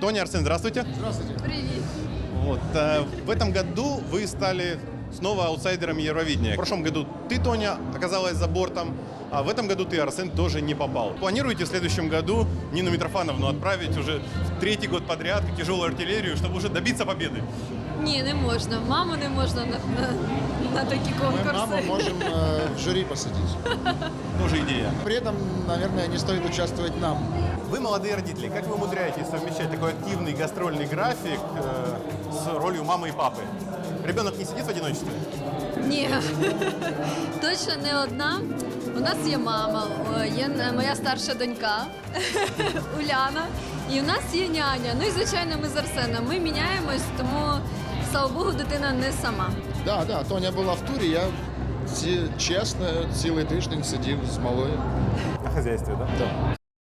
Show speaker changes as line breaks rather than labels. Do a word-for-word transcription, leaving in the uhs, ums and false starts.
Тоня, Арсен, здравствуйте.
Здравствуйте.
Привет.
Вот, э, в этом году вы стали снова аутсайдерами Евровидения. В прошлом году ты, Тоня, оказалась за бортом, а в этом году ты, Арсен, тоже не попал. Планируете в следующем году Нину Митрофановну отправить уже в третий год подряд как тяжелую артиллерию, чтобы уже добиться победы?
Ні, не можна. Маму не можна на, на, на такі
Мы
конкурси.
маму можем э, в жюри посадить.
Тоже идея.
При этом, наверное, не стоит участвовать нам.
Вы молодые родители. Как вы умудряетесь совмещать такой активный гастрольный график э, с ролью мамы и папы? Ребенок не сидит в одиночестве?
Ні, точно не одна. У нас є мама, о, є е, моя старша донька Уляна, і у нас є няня. Ну і звичайно, ми з Арсеном. Ми міняємось, тому слава Богу, дитина не сама.
Да, да, Тоня була в турі, я ці- чесно цілий тиждень сидів з малою.
На хозяйстве, да?
Да.